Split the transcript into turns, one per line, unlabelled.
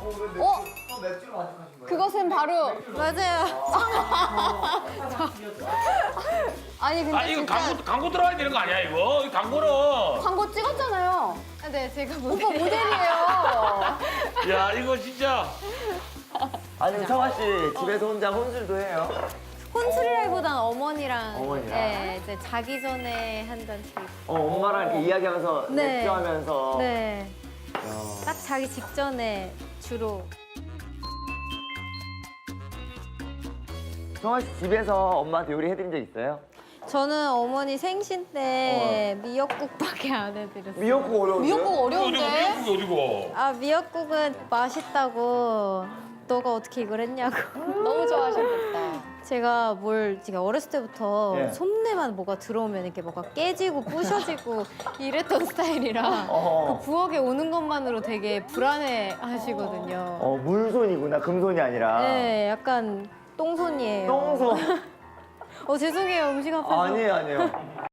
어?
맥주로 만족하신 거예요?
그것은 바로
맞아요.
아니 근데
아 이거
진짜
광고 들어가야 되는 거 아니야 이거? 이 광고는.
광고 찍었잖아요.
네, 제가 뭐
오빠 모델이에요.
야 이거 진짜.
아니 성화 씨 집에서 혼자 혼술도 해요?
혼술이라기보단 어머니랑
어머니랑?
네, 이제 자기 전에 한 잔씩.
엄마랑 이렇게 이야기하면서
네.
맥주하면서.
네. 딱 자기 직전에 주로.
성화 씨 집에서 엄마한테 요리 해드린 적 있어요?
저는 어머니 생신 때 미역국밖에 안 해드렸어요.
미역국 어려운데?
미역국
어디고
어려운데?
미역국이 어디고?
아, 미역국은 맛있다고 너가 어떻게 이걸 했냐고.
너무 좋아하셨겠다.
제가 어렸을 때부터
예.
손내만 뭐가 들어오면 이렇게 뭐가 깨지고 부셔지고 이랬던 스타일이라
어.
그 부엌에 오는 것만으로 되게 불안해 하시거든요.
물손이구나, 금손이 아니라.
네, 약간 똥손이에요.
똥손.
죄송해요, 음식 앞에서.
아니에요.